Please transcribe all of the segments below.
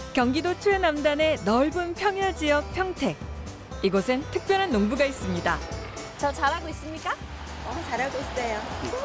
경기도 최남단의 넓은 평야 지역 평택. 이곳엔 특별한 농부가 있습니다. 저 잘하고 있습니까? 잘하고 있어요.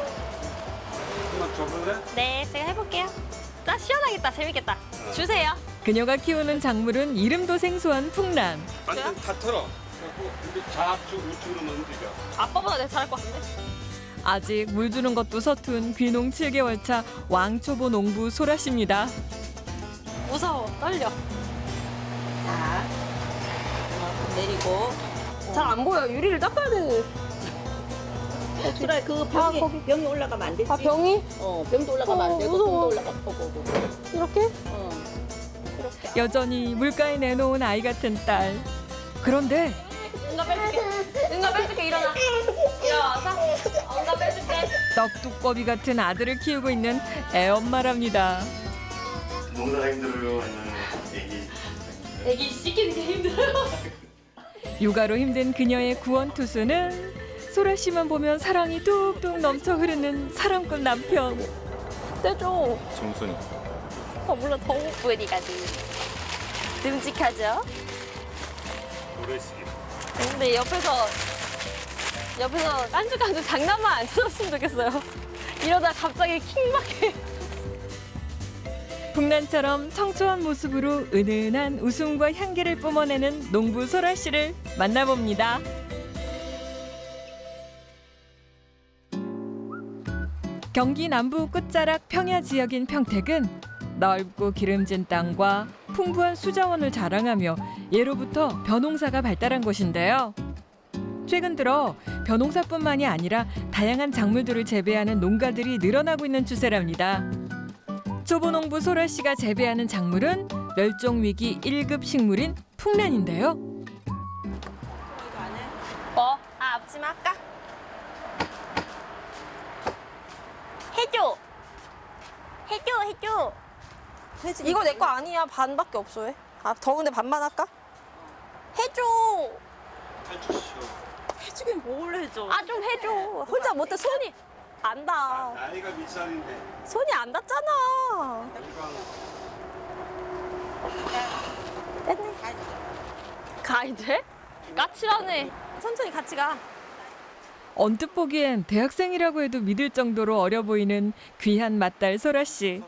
한번 줘볼래? 네, 제가 해볼게요. 나 시원하겠다, 재밌겠다. 주세요. 그녀가 키우는 작물은 이름도 생소한 풍란. 완전 다 털어. 그래갖고 이제 좌측 우측으로 움직여. 아빠보다 내가 잘할 것 같은데? 아직 물 주는 것도 서툰 귀농 7개월 차 왕초보 농부 소라 씨입니다. 무서워, 떨려. 자, 이만큼 내리고. 잘 안 보여. 유리를 닦아야 돼. 주라 그 거기. 병이 올라가면 안 되지. 아, 병이? 병도 올라가면 안 되고 무서워. 병도 올라가고. 이렇게? 이렇게. 여전히 물가에 내놓은 아이 같은 딸. 그런데 응가 빼줄게. 응가 빼줄게, 일어나. 일어나서. 응가 빼줄게. 떡두꺼비 같은 아들을 키우고 있는 애엄마랍니다. 농사가 힘들어요? 아니면 애기? 애기 씻기는 게 힘들어요. 육아로 힘든 그녀의 구원투수는 소라 씨만 보면 사랑이 뚝뚝 넘쳐 흐르는 사랑꾼 남편. 떼줘. 정순이. 몰라, 더 뿌리가지. 듬직하죠? 노래시기. 근데 옆에서 깐죽깐죽 장난만 안 쳐줬으면 좋겠어요. 이러다 갑자기 킹받게. 풍란처럼 청초한 모습으로 은은한 웃음과 향기를 뿜어내는 농부 소라 씨를 만나봅니다. 경기 남부 끝자락 평야 지역인 평택은 넓고 기름진 땅과 풍부한 수자원을 자랑하며 예로부터 벼농사가 발달한 곳인데요. 최근 들어 벼농사뿐만이 아니라 다양한 작물들을 재배하는 농가들이 늘어나고 있는 추세랍니다. 초보 농부 소라 씨가 재배하는 작물은 멸종 위기 1급 식물인 풍란인데요. 뭐? 앞치마 할까? 해줘. 이거 내 거 아니야. 반밖에 없어. 왜? 아, 더운데 반만 할까? 해줘. 해주시오. 해주긴 뭘 해줘. 아, 좀 해줘. 혼자 못해. 손이 안 닿아. 나이가 몇 살인데? 손이 안 닿잖아. 됐네. 가야 돼? 까칠하네. 천천히 같이 가. 언뜻 보기엔 대학생이라고 해도 믿을 정도로 어려 보이는 귀한 맏딸 소라 씨.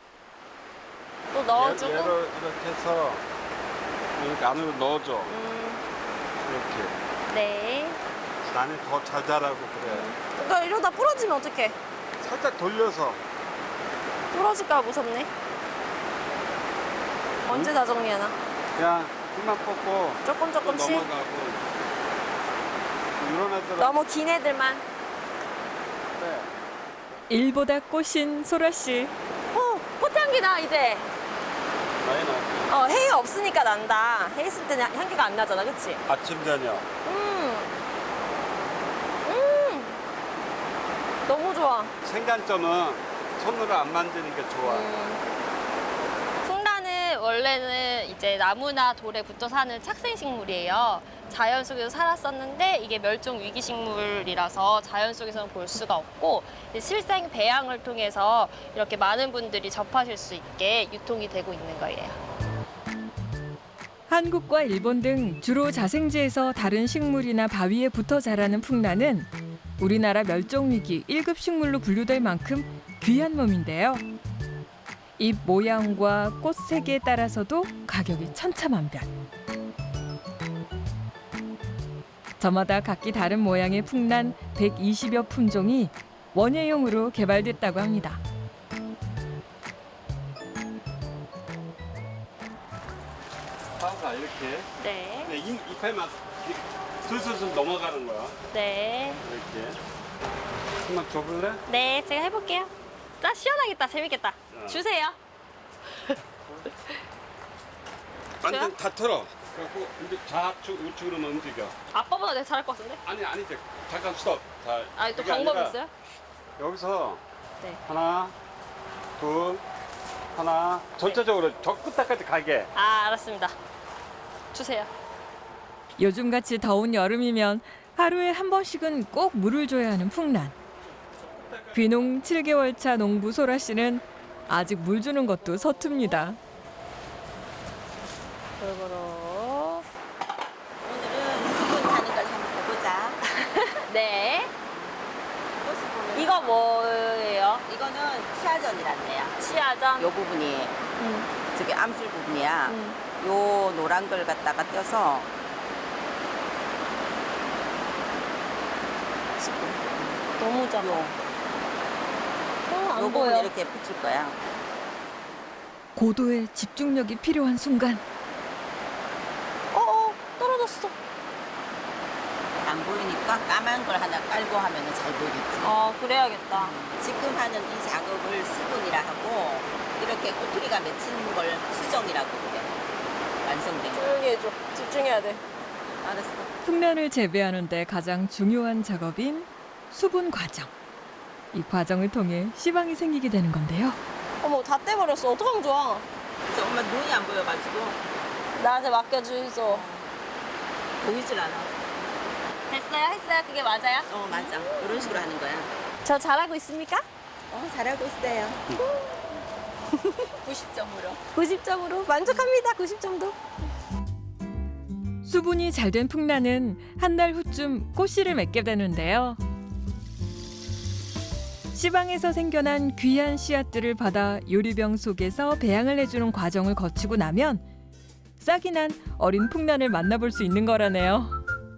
또 넣어주고. 얘를 이렇게 해서 이렇게 안으로 넣어줘. 이렇게. 네. 나는 더 잘 자라고 그래. 그러니까 이러다 부러지면 어떡해? 살짝 돌려서. 부러질까 무섭네. 언제 다 정리하나? 그냥 힘만 뽑고 조금 또 조금씩. 넘어가고. 이런 애들은 너무 긴 애들만. 네. 일보다 꽃인 소라 씨. 꽃향기 나 이제. 많이 나. 해가 없으니까 난다. 해 있을 때는 향기가 안 나잖아, 그치? 아침 저녁. 너무 좋아. 생단점은 손으로 안 만지는 게 좋아. 풍란은 원래는 이제 나무나 돌에 붙어 사는 착생식물이에요. 자연 속에서 살았었는데 이게 멸종 위기 식물이라서 자연 속에서는 볼 수가 없고 실생 배양을 통해서 이렇게 많은 분들이 접하실 수 있게 유통이 되고 있는 거예요. 한국과 일본 등 주로 자생지에서 다른 식물이나 바위에 붙어 자라는 풍란은 우리나라 멸종위기 1급 식물로 분류될 만큼 귀한 몸인데요. 잎 모양과 꽃 색에 따라서도 가격이 천차만별. 저마다 각기 다른 모양의 풍란 120여 품종이 원예용으로 개발됐다고 합니다. 파우가 이렇게. 네. 근데 잎에만 슬슬 넘어가는 거야. 네. 이렇게. 한번 줘볼래? 네, 제가 해볼게요. 나 시원하겠다. 재밌겠다. 주세요. 완전 다 털어. 그래갖고 이제 좌측 우측으로 움직여. 아빠보다 내가 잘할 것 같은데? 아니지. 잠깐 스톱. 자, 아, 또 그게 방법 아니라 있어요? 여기서 네. 하나, 둘, 하나. 전체적으로 저 끝까지 가게. 아, 알았습니다. 주세요. 요즘같이 더운 여름이면 하루에 한 번씩은 꼭 물을 줘야 하는 풍란. 귀농 7개월 차 농부 소라 씨는 아직 물 주는 것도 서툽니다. 골고루. 오늘은 수분 가는 걸 한번 보자. 네. 이것을 보면 이거 뭐예요? 이거는 치아전이란데요. 치아전. 요 부분이 저기 암술 부분이야. 음. 요 노란 걸 갖다가 떼서 너무 작아. 요 안 부분 보여. 이렇게 붙일 거야. 고도의 집중력이 필요한 순간 떨어졌어. 안 보이니까 까만 걸 하나 깔고 하면 잘 보이겠지. 그래야겠다. 지금 하는 이 작업을 수분이라 하고 이렇게 꼬투리가 맺히는 걸 수정이라고 그래. 완성된 거. 조용히 해줘. 집중해야 돼. 알았어. 풍란을 재배하는 데 가장 중요한 작업인 수분 과정. 이 과정을 통해 씨방이 생기게 되는 건데요. 어머, 다 떼버렸어. 어떡하면 좋아. 그래서 엄마 눈이 안 보여가지고 나한테 맡겨주이소. 보이질 않아. 됐어요? 했어요? 그게 맞아요? 맞아. 이런 식으로 하는 거야. 저 잘하고 있습니까? 잘하고 있어요. 90점으로. 90점으로 만족합니다. 90점도. 수분이 잘 된 풍란은 한 달 후쯤 꽃씨를 맺게 되는데요. 씨방에서 생겨난 귀한 씨앗들을 받아 요리병 속에서 배양을 해주는 과정을 거치고 나면 싹이 난 어린 풍란을 만나볼 수 있는 거라네요.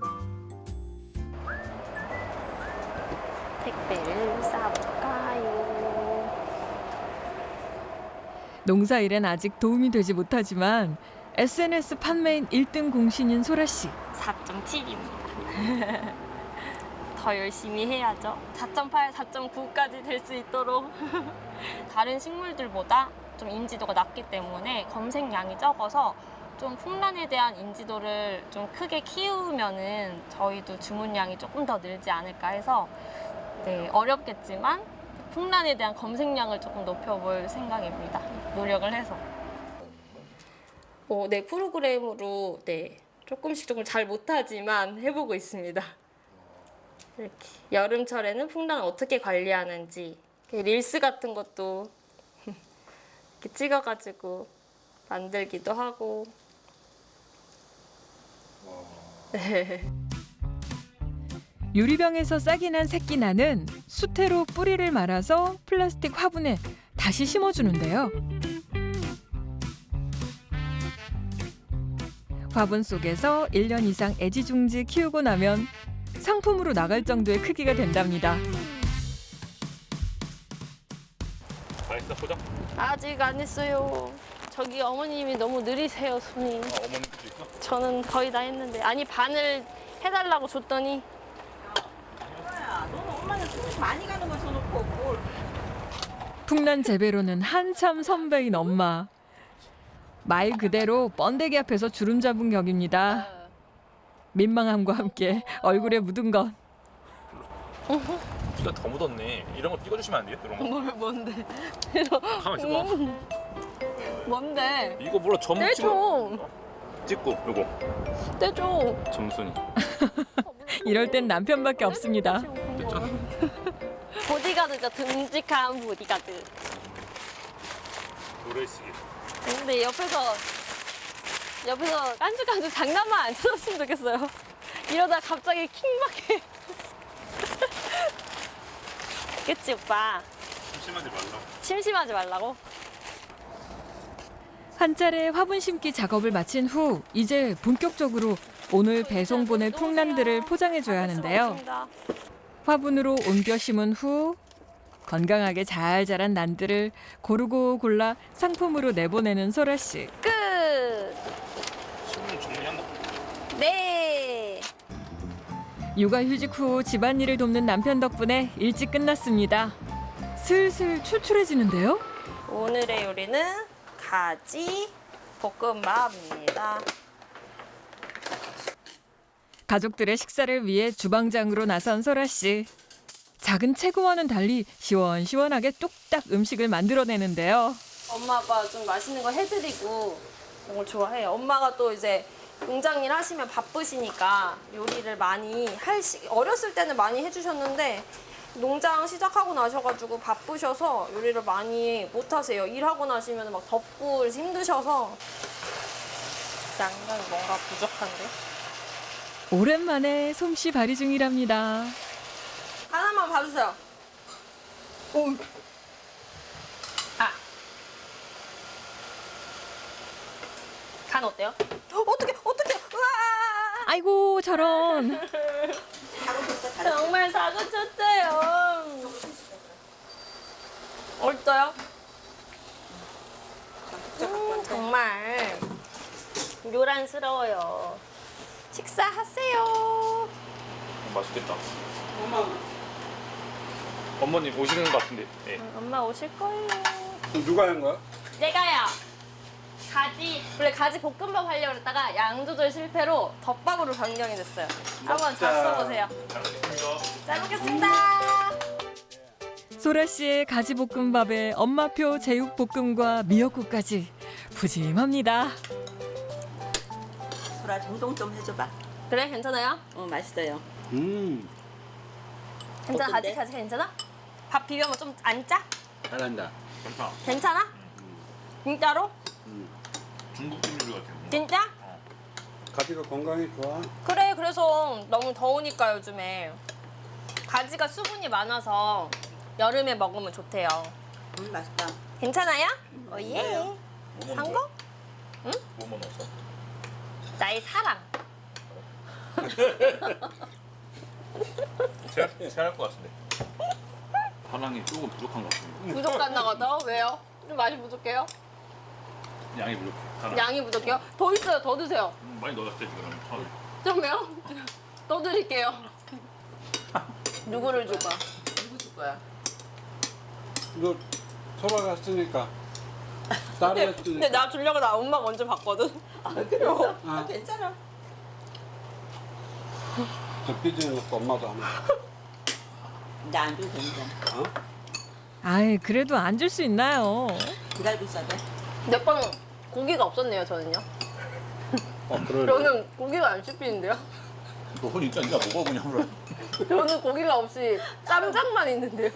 택배를 싸볼까요? 농사일엔 아직 도움이 되지 못하지만 SNS 판매인 1등 공신인 소라 씨. 4.7입니다. 더 열심히 해야죠. 4.8, 4.9까지 될 수 있도록. 다른 식물들보다 좀 인지도가 낮기 때문에 검색량이 적어서 좀 풍란에 대한 인지도를 좀 크게 키우면은 저희도 주문량이 조금 더 늘지 않을까 해서 네, 어렵겠지만 풍란에 대한 검색량을 조금 높여볼 생각입니다. 노력을 해서. 네, 프로그램으로 네, 조금 잘 못하지만 해보고 있습니다. 이렇게 여름철에는 풍란을 어떻게 관리하는지 릴스 같은 것도 이렇게 찍어가지고 만들기도 하고. 네. 유리병에서 싹이 난 새끼나는 수태로 뿌리를 말아서 플라스틱 화분에 다시 심어주는데요. 화분 속에서 1년 이상 애지중지 키우고 나면 상품으로 나갈 정도의 크기가 된답니다. 다 했어 포장? 아직 안 했어요. 저기 어머님이 너무 느리세요, 손이. 어머님도 있어? 저는 거의 다 했는데. 아니, 반을 해달라고 줬더니. 야, 너는 엄마는 손 많이 가는 거 써놓고 뭘. 풍란 재배로는 한참 선배인 엄마. 말 그대로 번데기 앞에서 주름 잡은 격입니다. 민망함과 함께 얼굴에 묻은 것. 피가 더 묻었네. 이런 거 찍어주시면 안 돼요? 이런 거? 뭔데? 가만 있어봐. 뭔데? 이거 몰라 점 떼 찍어. 좀. 찍고 요거 떼줘. 점순이. 이럴 땐 남편밖에 없습니다. 보디가드죠, 듬직한 보디가드. 노래시기. 근데 옆에서 깐죽깐죽 장난만 안 쳐줬으면 좋겠어요. 이러다 갑자기 킹받게. 그치, 오빠? 심심하지 말라. 심심하지 말라고? 한 차례 화분 심기 작업을 마친 후 이제 본격적으로 오늘 배송 보낼 풍란들을 포장해줘야 하는데요. 고맙습니다. 화분으로 옮겨 심은 후 건강하게 잘 자란 난들을 고르고 골라 상품으로 내보내는 소라 씨. 끝! 신문 정리한다. 네! 육아휴직 후 집안일을 돕는 남편 덕분에 일찍 끝났습니다. 슬슬 출출해지는데요. 오늘의 요리는 가지 볶음밥입니다. 가족들의 식사를 위해 주방장으로 나선 소라 씨. 작은 체구와는 달리 시원시원하게 뚝딱 음식을 만들어내는데요. 엄마 아빠 좀 맛있는 거 해드리고 이런 걸 좋아해요. 엄마가 또 이제 농장일 하시면 바쁘시니까 요리를 많이 어렸을 때는 많이 해주셨는데 농장 시작하고 나셔가지고 바쁘셔서 요리를 많이 못 하세요. 일하고 나시면 막 덥고 그래서 힘드셔서 양념이 뭔가 부족한데? 오랜만에 솜씨 발휘 중이랍니다. 하나만 봐주세요. 오. 아. 간 어때요? 어떡해. 우와. 아이고 저런. 정말 사고 쳤어요. 어떠요? 정말 요란스러워요. 식사하세요. 맛있겠다. 어머님 오시는 것 같은데. 네. 엄마 오실 거예요. 누가 한 거야? 내가요. 원래 가지 볶음밥 하려고 했다가 양 조절 실패로 덮밥으로 변경이 됐어요. 한번 잡숴보세요. 잘 먹겠습니다. 소라 씨의 가지볶음밥에 엄마표 제육볶음과 미역국까지 푸짐합니다. 소라 정동 좀 해줘봐. 그래 괜찮아요? 맛있어요. 괜찮아 어떤데? 가지 괜찮아? 밥 비벼면 좀 안 짜? 잘한다. 괜찮아. 괜찮아? 진짜로? 중국 찜질 같아. 진짜? 가지가 건강에 좋아. 그래 그래서 너무 더우니까 요즘에 가지가 수분이 많아서 여름에 먹으면 좋대요. 맛있다. 괜찮아요? 예. 뭐 산 거? 뭐뭐 넣었어? 나의 사랑. 체할 것 같은데. 사랑이 조금 부족한 것 같은데. 부족한다 가다 왜요? 좀 맛이 부족해요? 양이 부족해. 사랑. 양이 부족해요? 더 있어요. 더 드세요. 많이 넣었지 그러면. 처음에. 좀요? 더 드릴게요. 누구를 줄까? 누구 줄 거야? 너 소라 갔으니까 딸이 근데 했으니까. 나 주려고 나 엄마 먼저 봤거든. 그래서? 아. 괜찮아. 저 삐지는 것도 엄마도 하면. 이제 안 줘도 되니까. 어? 아이 그래도 안 줄 수 있나요? 기다리고 있어야 돼. 몇 번 고기가 없었네요 저는요. 그러네. 저는 고기가 안 씹히는데요. 너 그러니까 네가 먹어 그냥 그래. 저는 고기가 없이 쌈장만 있는데요.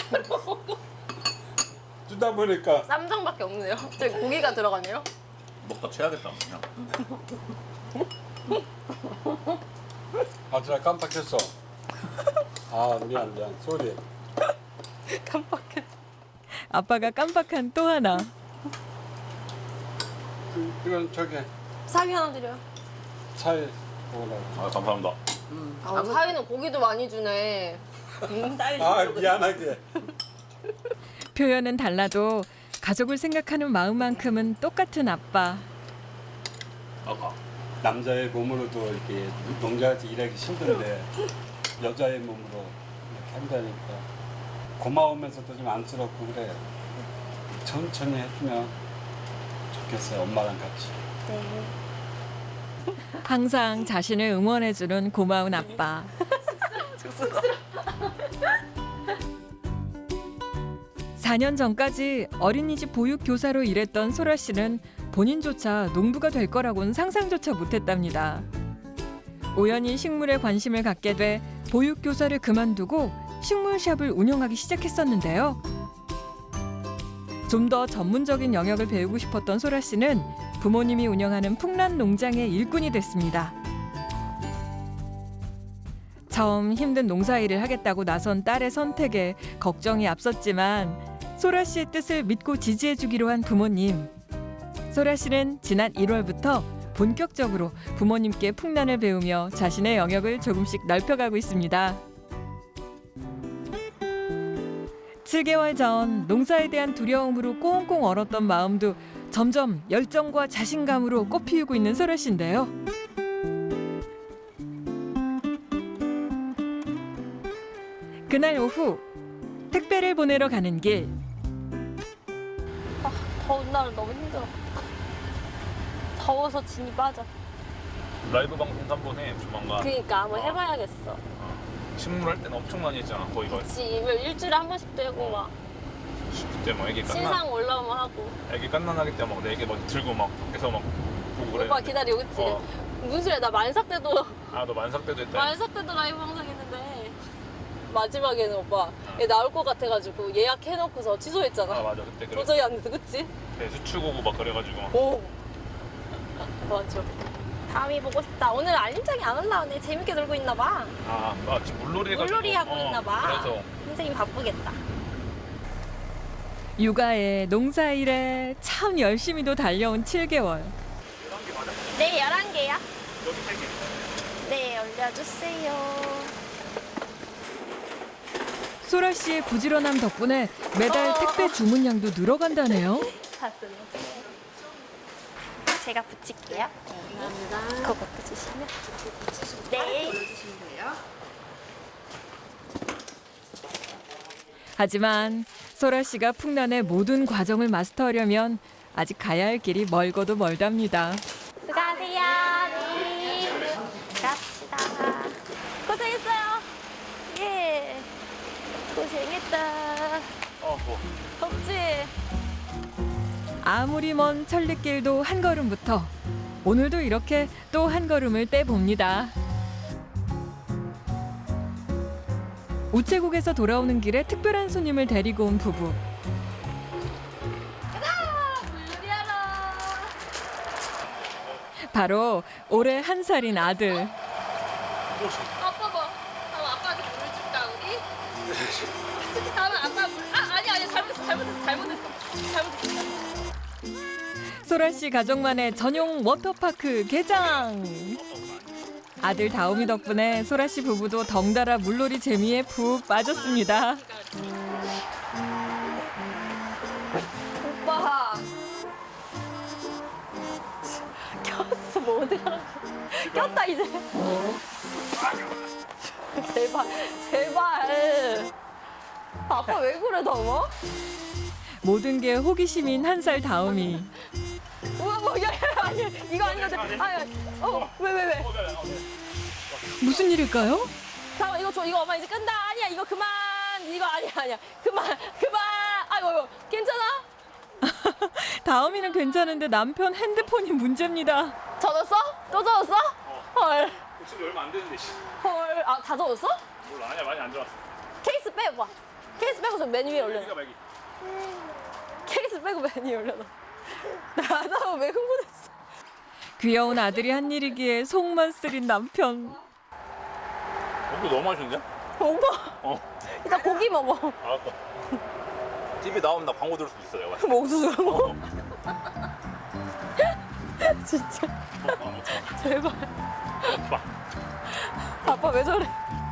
주다 보니까 쌈장밖에 없네요. 저기 고기가 들어가네요. 먹다 취하겠다 그냥. 아, 진짜 깜빡했어. 아, 미안. 쏘리. 깜빡했. 아빠가 깜빡한 또 하나. 이건 저기 사위 하나 드려요. 차에 먹으라고. 아 감사합니다. 아, 사위는 고기도 많이 주네. 아, 미안하게. 표현은 달라도 가족을 생각하는 마음만큼은 똑같은 아빠. 아까 남자의 몸으로도 이렇게 농자에서 일하기 힘든데 여자의 몸으로 이렇게 한다니까 고마우면서도 좀 안쓰럽고 그래. 천천히 해주면 좋겠어요. 엄마랑 같이. 항상 자신을 응원해주는 고마운 아빠. 4년 전까지 어린이집 보육교사로 일했던 소라 씨는 본인조차 농부가 될 거라고는 상상조차 못했답니다. 우연히 식물에 관심을 갖게 돼 보육교사를 그만두고 식물샵을 운영하기 시작했었는데요. 좀 더 전문적인 영역을 배우고 싶었던 소라 씨는 부모님이 운영하는 풍란 농장의 일꾼이 됐습니다. 처음 힘든 농사일을 하겠다고 나선 딸의 선택에 걱정이 앞섰지만 소라 씨의 뜻을 믿고 지지해주기로 한 부모님. 소라 씨는 지난 1월부터 본격적으로 부모님께 풍란을 배우며 자신의 영역을 조금씩 넓혀가고 있습니다. 7개월 전 농사에 대한 두려움으로 꽁꽁 얼었던 마음도 점점 열정과 자신감으로 꽃피우고 있는 소라 씨인데요. 그날 오후 택배를 보내러 가는 길. 더운 날은 너무 힘들어. 더워서 진이 빠져. 라이브 방송 한번 해 조만간. 그러니까 한번 해봐야겠어. 식물 할 때는 엄청 많이 했잖아 거의 거의. 그치, 일주일에 한 번씩 되고 막 그때 막 애기 깐난 신상 올라오면 하고. 애기 깐난하기 때문에 막 내게 막 들고 막 밖에서 막 보고 그래. 오빠 기다리고 있지? 어. 무슨 소리야, 나 만삭 때도 아너 만삭 때도 했다. 만삭 때도 라이브 방송 했는데 마지막에는 오빠 얘 나올 것 같아가지고 예약해놓고서 취소했잖아. 아 맞아 그때 그래. 도저히 안 돼서 그치? 네, 수축 오고 막 그래가지고. 오 맞아. 다음이 보고 싶다. 오늘 알림장이 안 올라오네. 재밌게 놀고 있나 봐. 지금 물놀이 해가지고. 물놀이 하고 있나 봐. 그래서. 선생님 바쁘겠다. 육아에 농사일에 참 열심히도 달려온 7개월. 네, 11개야. 네, 올려주세요. 소라 씨의 부지런함 덕분에 매달 택배 주문량도 늘어간다네요. 제가 붙일게요. 그것도 주시면. 네. 하지만 소라 씨가 풍란의 모든 과정을 마스터하려면 아직 가야 할 길이 멀고도 멀답니다. 수고하세요. 네. 갑시다. 고생했어요. 예. 고생했다. 덥지? 아무리 먼 천리길도 한 걸음부터 오늘도 이렇게 또 한 걸음을 떼봅니다. 우체국에서 돌아오는 길에 특별한 손님을 데리고 온 부부. 물놀이하러. 바로 올해 1살인 아들. 아빠 봐. 다음 아빠한테 물을 줄까 우리? 다음에 아빠 물. 아니 잘못했어. 소라 씨 가족만의 전용 워터파크 개장. 아들 다움이 덕분에 소라 씨 부부도 덩달아 물놀이 재미에 푹 빠졌습니다. 오빠. 꼈어 뭐 어떡하라고. 꼈다 이제. 제발. 아빠 왜 그래 너무? 모든 게 호기심인 1살 다움이. 우와 아니 이거 아니거든. 왜? 무슨 일일까요? 잠깐 이거 줘. 이거 엄마 이제 끈다. 아니야 이거 그만. 이거 아니야. 그만. 아이고 괜찮아? 다움이는 괜찮은데 남편 핸드폰이 문제입니다. 젖었어? 또 젖었어? 헐. 지금 얼마 안 되는데. 헐. 다 젖었어? 몰라, 아니야, 많이 안 들어왔어. 케이스 빼봐. 케이스 빼고 저 맨 위에 올려. 말기. 케이스 빼고 맨 위에 올려놔. 나도 왜 흥분했어? 귀여운 아들이 한 일이기에 속만 쓰린 남편. 이거 너무 맛있는데? 오빠. 이따 고기 먹어. 알았어. TV 나오면 나 광고 들을 수 있어, 내가. 옥수수가 먹어. 진짜. 제발. 아빠 왜 저래?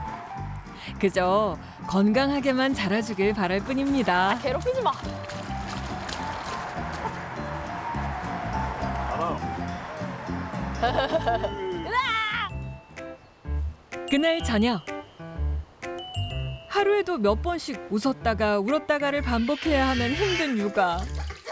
그저 건강하게만 자라주길 바랄 뿐입니다. 괴롭히지 마. 그날 저녁. 하루에도 몇 번씩 웃었다가 울었다가를 반복해야 하는 힘든 육아.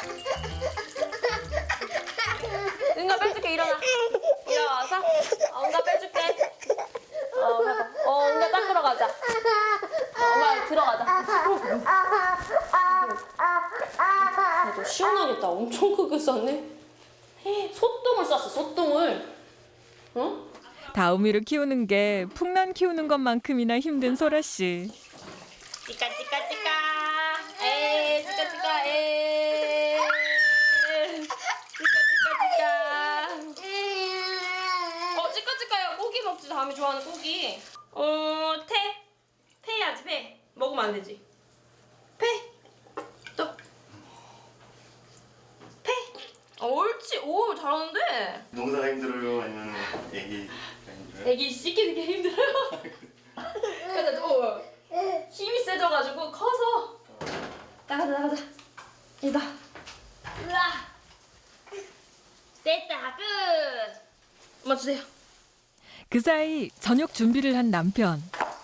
응가 빼줄게. 일어나서 응가 빼줄게. 해봐. 응가 닦으러 가자. 엄마 들어가자. 너 시원하겠다. 엄청 크게 쌌네. 소똥을 쌌어. 소똥을. 응? 다우미를 키우는 게 풍란 키우는 것만큼이나 힘든 소라 씨. 찌까. 에이 찌까. 에이. 찌까. 고기 먹지. 다음에 좋아하는 고기. 태 해야지. 배 먹으면 안 되지. 또 옳지. 오 잘하는데. 농사가 힘들어요? 아니면 애기가 힘들어요? 애기 씻기는 게 힘들어요. 근데 또 힘이 세져가지고 커서 나가자. 이다. 으아. 됐다. 끝. 엄마 주세요. 그 사이 저녁 준비를 한 남편.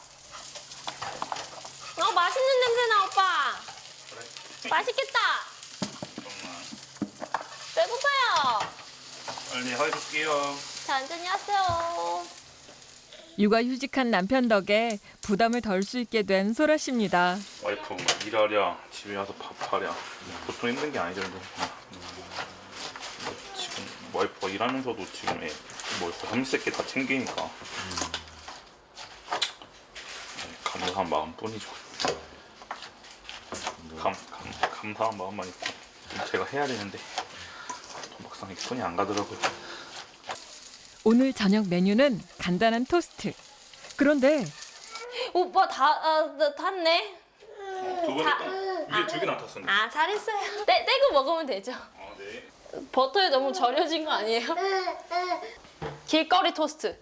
맛있는 냄새나 오빠. 맛있겠다. 배고파요. 빨리 해줄게요. 천천히 하세요. 육아휴직한 남편 덕에 부담을 덜 수 있게 된 소라 씨입니다. 와이프 일하랴, 집에 와서 밥하랴. 보통 힘든 게 아니던데. 지금 와이프가 일하면서도 지금 삼시세끼 다 챙기니까 감사한 마음뿐이죠. 감사한 마음만 있고 제가 해야 되는데 막상 손이 안 가더라고요. 오늘 저녁 메뉴는 간단한 토스트. 그런데 오빠 탔네. 두 번 했다. 위에 두 개나 탔었네. 아, 잘했어요. 떼고 먹으면 되죠. 네. 버터에 너무 절여진 거 아니에요? 길거리 토스트.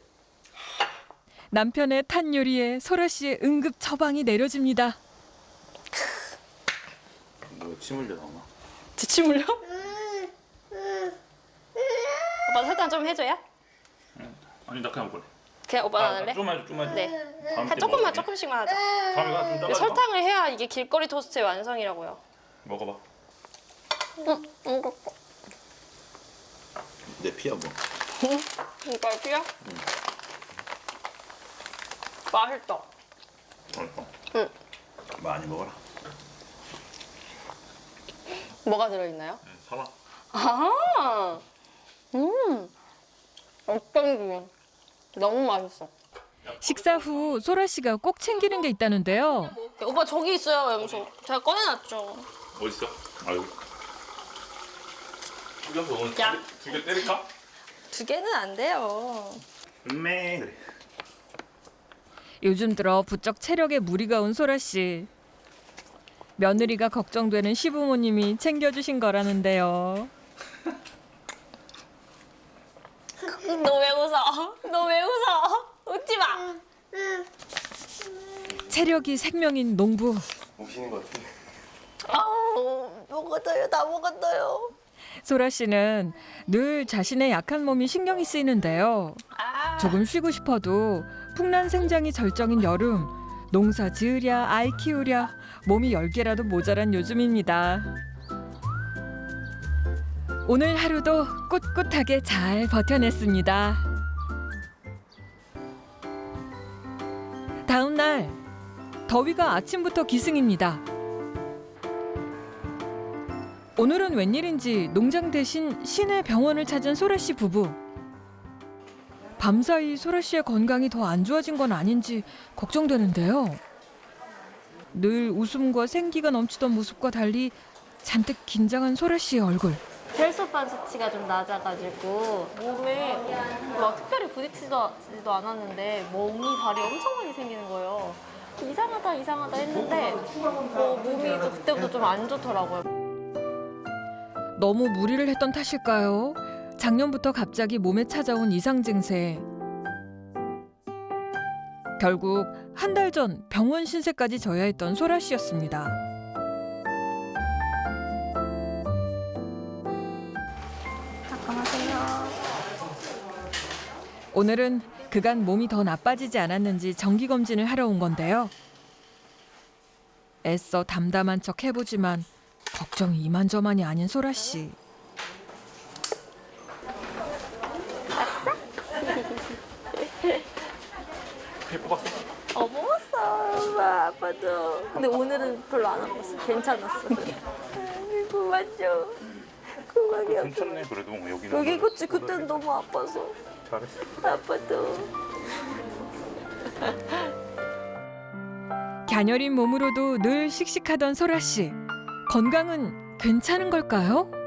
남편의 탄 요리에 소라 씨의 응급 처방이 내려집니다. 뭐침 흘려 나오나? 지침 흘려? 오빠 설탕 좀 해줘야? 아니 나 그냥 먹을래. 그냥 오빠 안 할래? 좀만 해줘, 좀만 해줘. 네. 다음 때 조금만 먹을게. 조금씩만 하자. 다음에 가좀 따라. 설탕을 해야 이게 길거리 토스트의 완성이라고요. 먹어봐. 이거 내 피야 뭐. 피야? 맛있다. 맛있어. 응. 많이 먹어라. 뭐가 들어있나요? 사과. 아, 어쩐지 너무 맛있어. 식사 후 소라 씨가 꼭 챙기는 게 있다는데요. 오빠 저기 있어요, 염소. 제가 꺼내놨죠. 어디 있어? 아 여기. 죽여서 오늘 야. 두 개 때릴까? 2개는 안 돼요. 그래. 요즘 들어 부쩍 체력에 무리가 온 소라 씨. 며느리가 걱정되는 시부모님이 챙겨주신 거라는데요. 너 왜 웃어? 너 왜 웃어? 웃지 마. 체력이 생명인 농부. 오시는 것 같은데. 아우, 먹었어요. 다 먹었어요. 소라 씨는 늘 자신의 약한 몸이 신경이 쓰이는데요. 조금 쉬고 싶어도 풍란 생장이 절정인 여름, 농사 지으랴 아이 키우랴 몸이 10개라도 모자란 요즘입니다. 오늘 하루도 꿋꿋하게 잘 버텨냈습니다. 다음 날 더위가 아침부터 기승입니다. 오늘은 웬일인지 농장 대신 시내 병원을 찾은 소라 씨 부부. 밤사이 소라 씨의 건강이 더 안 좋아진 건 아닌지 걱정되는데요. 늘 웃음과 생기가 넘치던 모습과 달리 잔뜩 긴장한 소라 씨의 얼굴. 혈소판 수치가 좀 낮아가지고 몸에 막 특별히 부딪히지도 않았는데 몸이 발이 엄청 많이 생기는 거예요. 이상하다 했는데 몸이 또 그때부터 좀 안 좋더라고요. 너무 무리를 했던 탓일까요? 작년부터 갑자기 몸에 찾아온 이상 증세. 결국 한 달 전 병원 신세까지 져야 했던 소라 씨였습니다. 오늘은 그간 몸이 더 나빠지지 않았는지 정기 검진을 하러 온 건데요. 애써 담담한 척 해보지만 걱정이 이만저만이 아닌 소라 씨. 피 뽑았어? 먹었어. 엄마, 아빠도. 근데 오늘은 별로 안 아팠어. 괜찮았어. 아이고, 맞죠? 그만이야. 괜찮네 그래도 여기는. 여기 그치 그때는 너무 아파서. 잘했어. 아빠도. 갸녀린 몸으로도 늘 씩씩하던 소라 씨. 건강은 괜찮은 걸까요?